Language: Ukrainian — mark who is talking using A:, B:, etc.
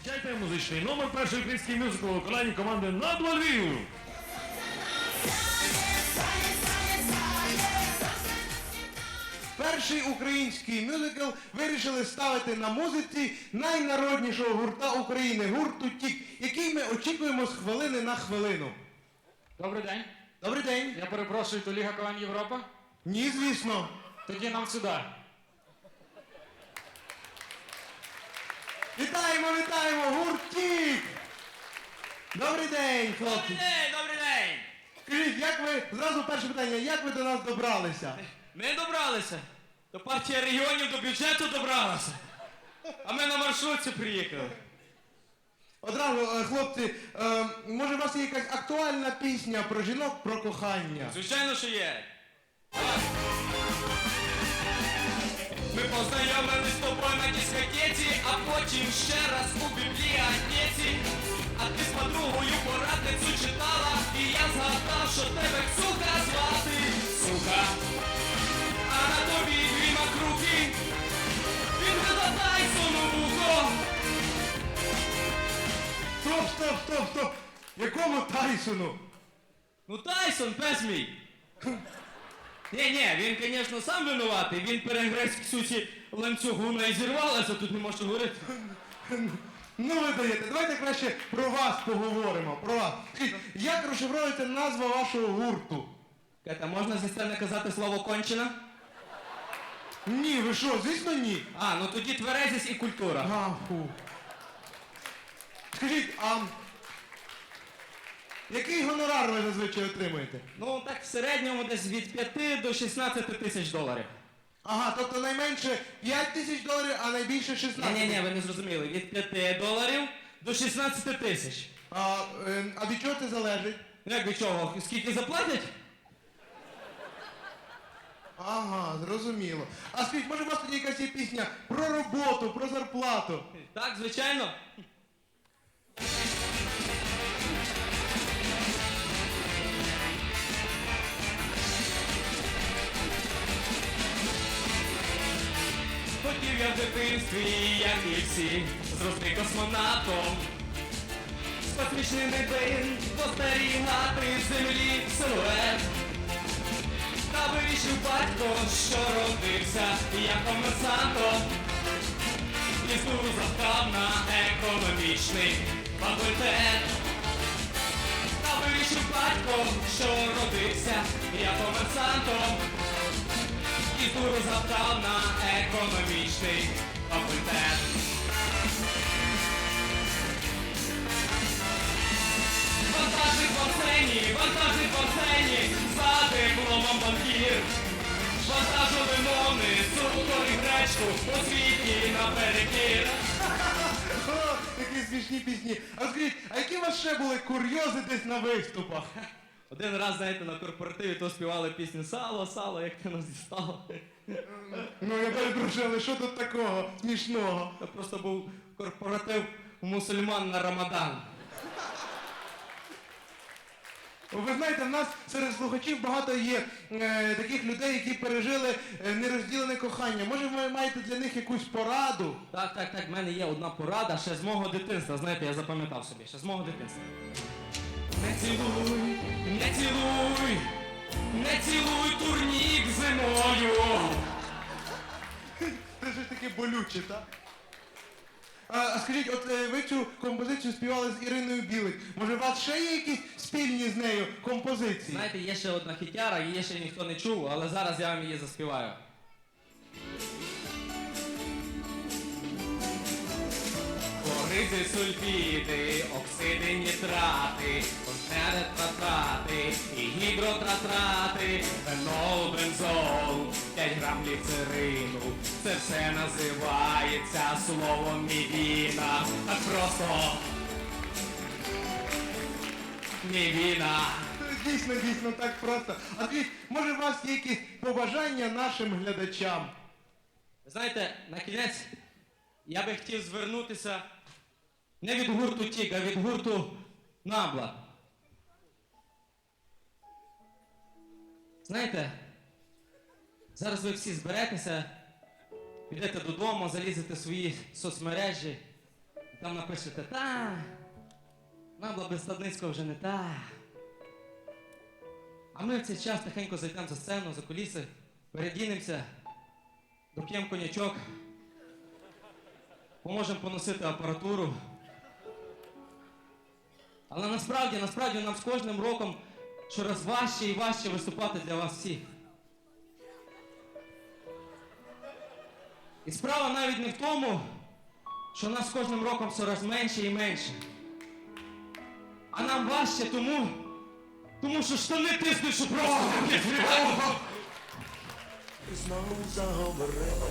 A: Зустрічайте музичний номер перший український мюзикл у виконанні команди «Надва Львів».
B: Перший український мюзикл вирішили ставити на музиці найнароднішого гурта України, гурту «Тік», який ми очікуємо з хвилини на хвилину.
C: Добрий день.
B: Добрий день.
C: Я перепрошую, то Ліга КВН Європа?
B: Ні, звісно.
C: Тоді нам сюди.
B: Вітаємо, вітаємо, гурт «Тік». Добрий день, хлопці.
D: Добрий день!
B: Скажіть, як ви, зразу перше питання, як ви до нас добралися?
D: Ми добралися. До партії регіонів, до бюджету добралася. А ми на маршрутці приїхали.
B: Одразу, хлопці, може у вас є якась актуальна пісня про жінок, про кохання?
D: Звичайно, що є. Ми познайомились з тобою на дискотеці, а потім ще раз у бібліотеці. А ти з подругою порадницю читала, і я згадав, що тебе Ксуха звати. Сука. А на тобі дві макруки. Він видатай сону вухо.
B: Стоп! Якому Тайсону?
D: Ну Тайсон, пес мій. Ні, він, звісно, сам винуватий. Він перегриз Ксюсі ланцюгу, вона і зірвалася, тут не можу говорити.
B: Ну ви даєте, давайте краще про вас поговоримо, про вас. Скажіть, як розшифровується назва вашого гурту?
D: Ката, можна зі сцени казати слово кончена?
B: Ні, ви що, звісно ні.
D: А, ну тоді тверезість і культура.
B: Фу. Скажіть, а який гонорар ви зазвичай отримуєте?
D: Ну так в середньому десь від 5 до 16 тисяч доларів.
B: Ага, тобто найменше 5 тисяч доларів, а найбільше 16.
D: Ні, ви не зрозуміли. Від 5 доларів до 16 тисяч.
B: А від чого це залежить?
D: Ну як від чого? Скільки заплатять?
B: Ага, зрозуміло. А скажіть, може у вас тоді якась є пісня про роботу, про зарплату?
D: Так, звичайно. Хотів я в дитинстві, як і всі, зрости космонавтом. З космічних глибин спостерігати з землі силует. Та вирішив батько, що родився як комерсантом. І знову завтав на економічний факультет. Та вирішив батько, що родився як комерсантом. І знову завтав на економічний факультет. Вантажник в сцені, за дипломом банкір. Вантажовиновний, цукор і гречку, освітній наперекір.
B: О, такі смішні пісні. А скажіть, а які у вас ще були курйози десь на виступах?
D: Один раз, знаєте, на корпоративі то співали пісню «Сало, сало, як ти нас дістало».
B: Ну я перепрошую, але що тут такого смішного?
D: Це просто був корпоратив у мусульман на Рамадан.
B: Ви знаєте, в нас серед слухачів багато є таких людей, які пережили нерозділене кохання. Може, ви маєте для них якусь пораду?
D: Так, в мене є одна порада ще з мого дитинства. Знаєте, я запам'ятав собі, ще з мого дитинства. Не цілуй, не цілуй, не цілуй турнік зимою.
B: Це ж таке болюче, так? А скажіть, от ви цю композицію співали з Іриною Білик. Може, у вас ще є якісь спільні з нею композиції?
D: Знаєте, є ще одна хітяра, її ще ніхто не чув, але зараз я вам її заспіваю. Хлориди, сульфіди, оксиди, нітрати, концентратрати і гідротратрати, фенол, бензол, 5 грам гліцерину. Це все називається словом мівіна. Так просто мівіна.
B: Дійсно, так просто. А скажіть, може, у вас є якісь побажання нашим глядачам?
D: Знаєте, на кінець я би хотів звернутися не від гурту «Тік», а від гурту «Набла». Знаєте, зараз ви всі зберетеся, підете додому, залізете в свої соцмережі, Там напишете, нам Блабестадницького вже не та. А ми в цей час тихенько зайдемо за сцену, за куліси, передінемося, доп'ємо коньячок, поможемо поносити апаратуру. Але насправді нам з кожним роком щораз важче і важче виступати для вас всіх. І справа навіть не в тому, що нас з кожним роком щораз менше і менше. А нам важче тому що штани тиснуть, що просто не фрігало.
E: Знову заговорили.